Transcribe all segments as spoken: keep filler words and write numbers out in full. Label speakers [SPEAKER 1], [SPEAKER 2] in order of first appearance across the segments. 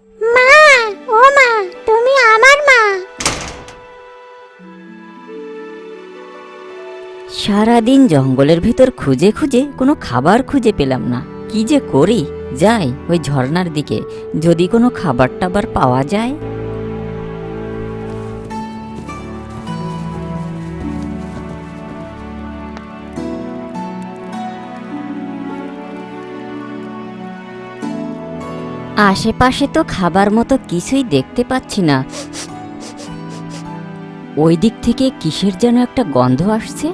[SPEAKER 1] মা, ও মা, তুমি আমার মা।
[SPEAKER 2] সারাদিন জঙ্গলের ভিতর খুঁজে খুঁজে কোনো খাবার খুঁজে পেলাম না। কি যে করি, যাই ওই ঝর্ণার দিকে, যদি কোনো খাবার টাবার পাওয়া যায়। আশেপাশে তো খাবার মতো কিছুই দেখতে পাচ্ছি না। ওই দিক থেকে কিসের যেন একটা গন্ধ আসছে।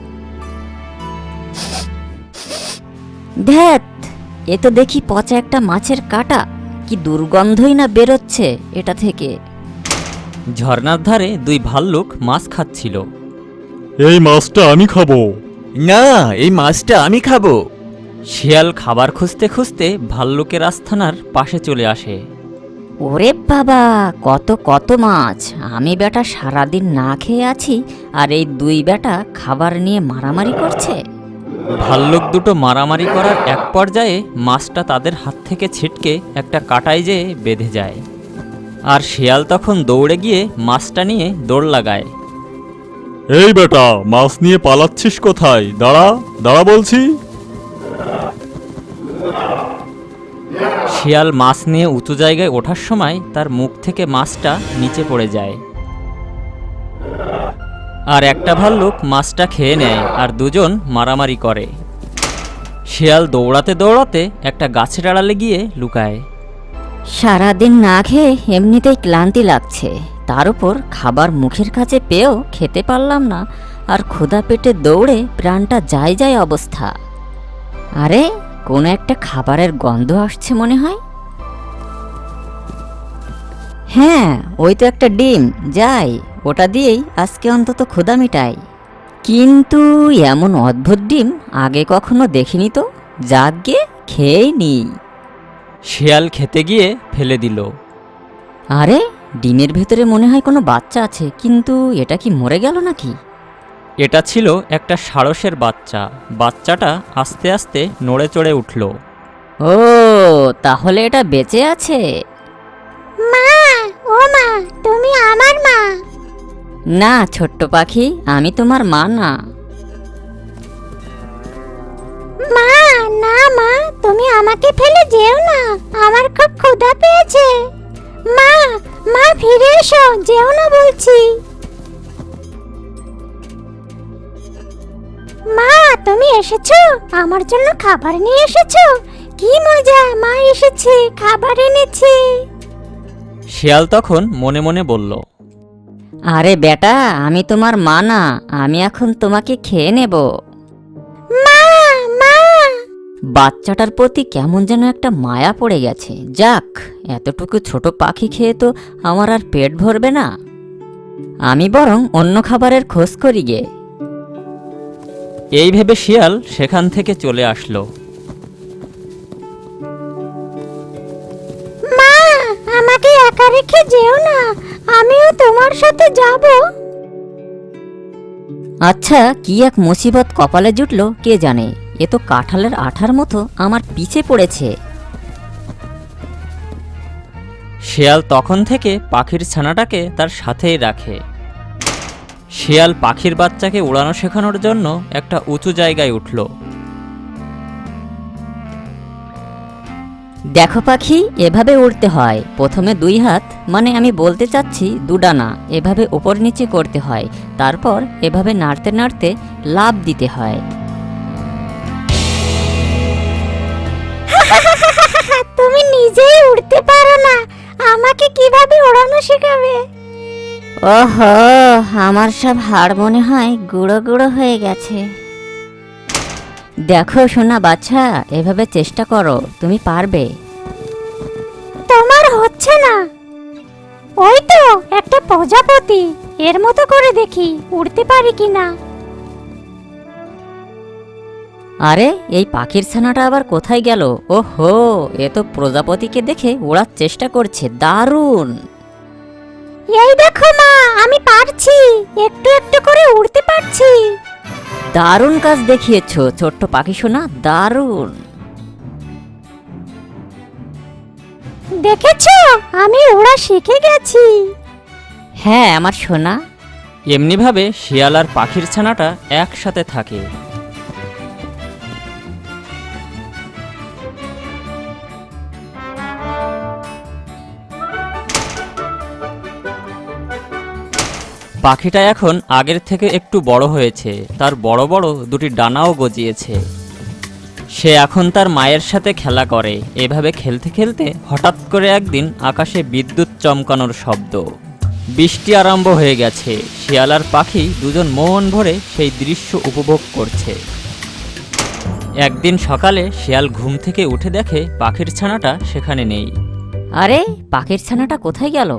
[SPEAKER 2] ধ্যাত, এ তো দেখি পচা একটা মাছের কাঁটা। কি দুর্গন্ধই না বেরোচ্ছে এটা থেকে।
[SPEAKER 3] ঝর্ণার ধারে দুই ভাল্লুক মাছ খাচ্ছিল।
[SPEAKER 4] এই মাছটা আমি খাবো।
[SPEAKER 5] না, এই মাছটা আমি খাবো।
[SPEAKER 3] শিয়াল খাবার খুঁজতে খুঁজতে ভাল্লুকের আস্তানার পাশে চলে আসে।
[SPEAKER 2] ওরে বাবা, কত কত মাছ! আমি বেটা সারাদিন না খেয়ে আছি, আর এই দুই বেটা খাবার নিয়ে মারামারি করছে।
[SPEAKER 3] ভাল্লুক দুটো মারামারি করার এক পর্যায়ে মাছটা তাদের হাত থেকে ছিটকে একটা কাঁটায় যেয়ে বেঁধে যায়। আর শিয়াল তখন দৌড়ে গিয়ে মাছটা নিয়ে দৌড় লাগায়।
[SPEAKER 4] এই বেটা, মাছ নিয়ে পালাচ্ছিস কোথায়? দাঁড়া দাঁড়া বলছি।
[SPEAKER 3] শিয়াল মাছ নিয়ে উঁচু জায়গায় ওঠার সময় তার মুখ থেকে মাছটা নিচে পড়ে যায়। আর একটা ভাল্লুক মাছটা খেয়ে নেয়, আর দুজন মারামারি করে। শিয়াল দৌড়াতে দৌড়াতে একটা গাছের আড়ালে গিয়ে লুকায়।
[SPEAKER 2] সারাদিন না খেয়ে এমনিতেই ক্লান্তি লাগছে, তার উপর খাবার মুখের কাছে পেয়েও খেতে পারলাম না, আর ক্ষুধা পেটে দৌড়ে প্রাণটা যায় যায় অবস্থা। আরে, কোনো একটা খাবারের গন্ধ আসছে মনে হয়। হ্যাঁ, ওই তো একটা ডিম, যাই ওটা দিয়েই আজকে অন্তত ক্ষুধা মিটাই। কিন্তু এমন অদ্ভুত ডিম আগে কখনো দেখিনি তো, যাগে খেয়েই নিই।
[SPEAKER 3] শিয়াল খেতে গিয়ে ফেলে দিল।
[SPEAKER 2] আরে, ডিমের ভেতরে মনে হয় কোনো বাচ্চা আছে, কিন্তু এটা কি মরে গেল নাকি?
[SPEAKER 3] এটা ছিল একটা সারসের বাচ্চা। বাচ্চাটা আস্তে আস্তে নড়ে চড়ে উঠল।
[SPEAKER 2] ও, তাহলে এটা বেঁচে আছে।
[SPEAKER 1] মা, ও মা, তুমি আমার মা।
[SPEAKER 2] না ছোট্ট পাখি, আমি তোমার মা না।
[SPEAKER 1] মা, না মা, তুমি আমাকে ফেলে যেও না, আমার খুব ক্ষুধা পেয়েছে। মা, মা ফিরে এসো, যেও না বলছি। মা, তুমি এসেছো? আমার জন্য খাবার নিয়ে এসেছো? কি মজা, মা এসেছে, খাবার এনেছে।
[SPEAKER 3] শিয়াল তখন মনে মনে বলল,
[SPEAKER 2] আরে বেটা, আমি তোমার মা না, আমি এখন তোমাকে খেয়ে নেব।
[SPEAKER 1] মা, মা।
[SPEAKER 2] বাচ্চাটার প্রতি কেমন যেন একটা মায়া পড়ে গেছে। যাক, এতটুকু ছোট পাখি খেয়ে তো আমার আর পেট ভরবে না। আমি বরং অন্য খাবারের খোঁজ করি গে।
[SPEAKER 3] এই ভেবে শিয়াল সেখান থেকে চলে আসলো।
[SPEAKER 1] মা, আমাকে একা রেখে যেও না, আমিও তোমার সাথে যাব।
[SPEAKER 2] আচ্ছা, কি এক মুসিবত কপালে জুটলো কে জানে। এ তো কাঁঠালের আঠার মতো আমার পিছে পড়েছে।
[SPEAKER 3] শিয়াল তখন থেকে পাখির ছানাটাকে তার সাথেই রাখে। শিয়াল পাখির বাচ্চাকে উড়ানো শেখানোর জন্য একটা উঁচু জায়গায় উঠল।
[SPEAKER 2] দেখো পাখি, এভাবে উড়তে হয়। প্রথমে দুই হাত, মানে আমি বলতে চাচ্ছি দুডানা, এভাবে ওপর নিচে করতে হয়। তারপর এভাবে নাড়তে নাড়তে লাফ দিতে হয়।
[SPEAKER 1] তুমি নিজেই উড়তে পারো না, আমাকে কিভাবে ওড়ানো শেখাবে?
[SPEAKER 2] ওহো, আমার সব হাড় মনে হয় গুঁড়ো গুঁড়ো হয়ে গেছে। দেখো সোনা বাচ্চা, এভাবে চেষ্টা করো, তুমি পারবে।
[SPEAKER 1] তোমার হচ্ছে না। ওই তো একটা প্রজাপতি, এর মতো করে দেখি উড়তে পারি কিনা।
[SPEAKER 2] আরে, এই পাখির ছানাটা আবার কোথায় গেল? ওহো, এ তো প্রজাপতিকে দেখে ওড়ার চেষ্টা করছে। দারুণ!
[SPEAKER 1] এই দেখো মা, আমি পারছি, একটু একটু করে উড়তে পারছি।
[SPEAKER 2] দারুণ কাজ দেখিয়েছো ছোট্ট পাখি সোনা, দারুণ।
[SPEAKER 1] দেখেছো, আমি ওরা শিখে গেছি।
[SPEAKER 2] হ্যাঁ আমার সোনা।
[SPEAKER 3] এমনিভাবে শিয়াল আর পাখির ছানাটা একসাথে থাকে। পাখিটা এখন আগের থেকে একটু বড় হয়েছে, তার বড় বড় দুটি ডানাও গজিয়েছে। সে এখন তার মায়ের সাথে খেলা করে। এভাবে খেলতে খেলতে হঠাৎ করে একদিন আকাশে বিদ্যুৎ চমকানোর শব্দ। বৃষ্টি আরম্ভ হয়ে গেছে। শিয়াল আর পাখি দুজন মন ভরে সেই দৃশ্য উপভোগ করছে। একদিন সকালে শিয়াল ঘুম থেকে উঠে দেখে পাখির ছানাটা সেখানে নেই।
[SPEAKER 2] আরে পাখির ছানাটা কোথায় গেল?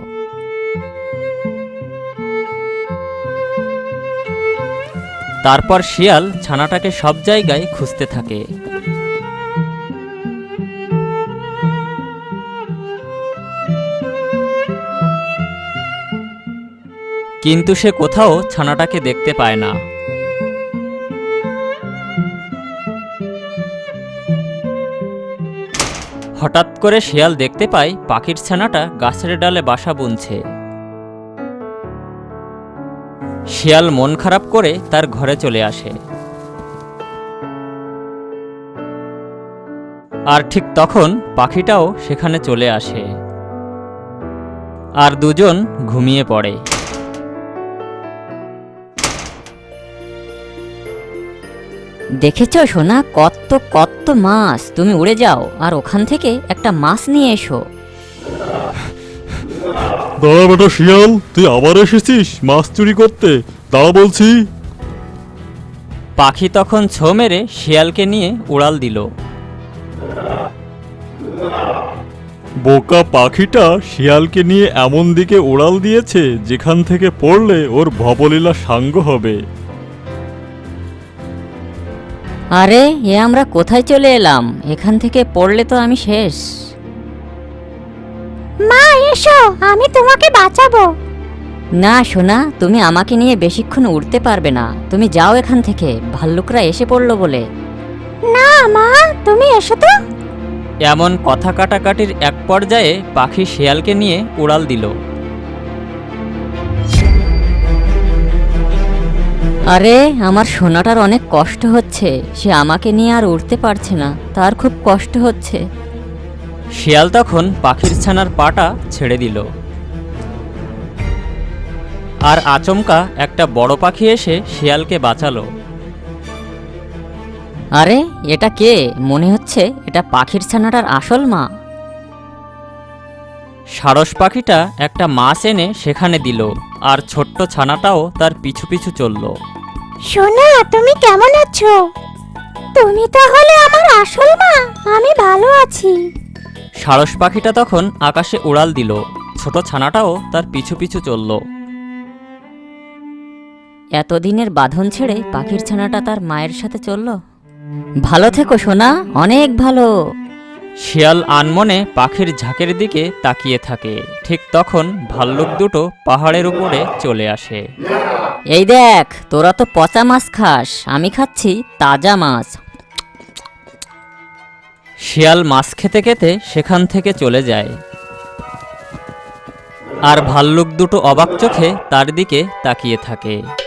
[SPEAKER 3] তারপর শিয়াল ছানাটাকে সব জায়গায় খুঁজতে থাকে। কিন্তু সে কোথাও ছানাটাকে দেখতে পায় না। হঠাৎ করে শিয়াল দেখতে পায় পাখির ছানাটা গাছের ডালে বাসা বুনছে। শিয়াল মন খারাপ করে তার ঘরে চলে আসে। আর ঠিক তখন পাখিটাও সেখানে চলে আসে, আর দুজন ঘুমিয়ে পড়ে।
[SPEAKER 2] দেখেছো সোনা, কত কত মাছ। তুমি উড়ে যাও আর ওখান থেকে একটা মাছ নিয়ে এসো।
[SPEAKER 4] দাঁড়া বেটা শিয়াল, তুই আবার এসেছিস মাছ চুরি করতে? দাঁড়া বলছি।
[SPEAKER 3] পাখি তখন ছো মেরে শিয়ালকে নিয়ে উড়াল দিল।
[SPEAKER 4] বোকা পাখিটা শিয়ালকে নিয়ে এমন দিকে উড়াল দিয়েছে যেখান থেকে পড়লে ওর ভবলীলা সাঙ্গ হবে।
[SPEAKER 2] আরে এ আমরা কোথায় চলে এলাম? এখান থেকে পড়লে তো আমি শেষ।
[SPEAKER 1] মা এসো, আমি তোমাকে বাঁচাবো।
[SPEAKER 2] না সোনা, তুমি আমাকে নিয়ে বেশিক্ষণ উড়তে পারবে না। তুমি যাও এখান থেকে, ভাল্লুকরা এসে পড়লো বলে।
[SPEAKER 1] না মা, তুমি এসো তো।
[SPEAKER 3] এমন কথা কাটাকাটির এক পর্যায়ে পাখি শিয়ালকে নিয়ে উড়াল দিল।
[SPEAKER 2] আরে আমার সোনাটার অনেক কষ্ট হচ্ছে। সে আমাকে নিয়ে আর উড়তে পারছে না, তার খুব কষ্ট হচ্ছে।
[SPEAKER 3] শিয়াল তখন পাখির ছানার পাটা ছেড়ে দিল। আর আচমকা একটা বড় পাখি এসে শিয়ালকে বাঁচালো।
[SPEAKER 2] আরে এটা কে? মনে হচ্ছে এটা পাখির ছানাটার আসল মা।
[SPEAKER 3] সারস পাখিটা একটা মাছ এনে সেখানে দিল, আর ছোট্ট ছানাটাও তার পিছু পিছু চলল।
[SPEAKER 1] সোনা, তুমি কেমন আছো? তুমি তাহলে আমার আসল মা। আমি ভালো আছি।
[SPEAKER 3] সারস পাখিটা তখন আকাশে উড়াল দিল, ছোট ছানাটাও তার পিছু পিছু চলল।
[SPEAKER 2] এতদিনের বাঁধন ছেড়ে পাখির ছানাটা তার মায়ের সাথে চলল। ভালো থেকো সোনা, অনেক ভালো।
[SPEAKER 3] শিয়াল আনমনে পাখির ঝাঁকের দিকে তাকিয়ে থাকে। ঠিক তখন ভাল্লুক দুটো পাহাড়ের উপরে চলে আসে।
[SPEAKER 2] এই দেখ, তোরা তো পচা মাছ খাস, আমি খাচ্ছি তাজা মাছ।
[SPEAKER 3] শিয়াল মাছ খেতে খেতে সেখান থেকে চলে যায়। আর ভাল্লুক দুটো অবাক চোখে তার দিকে তাকিয়ে থাকে।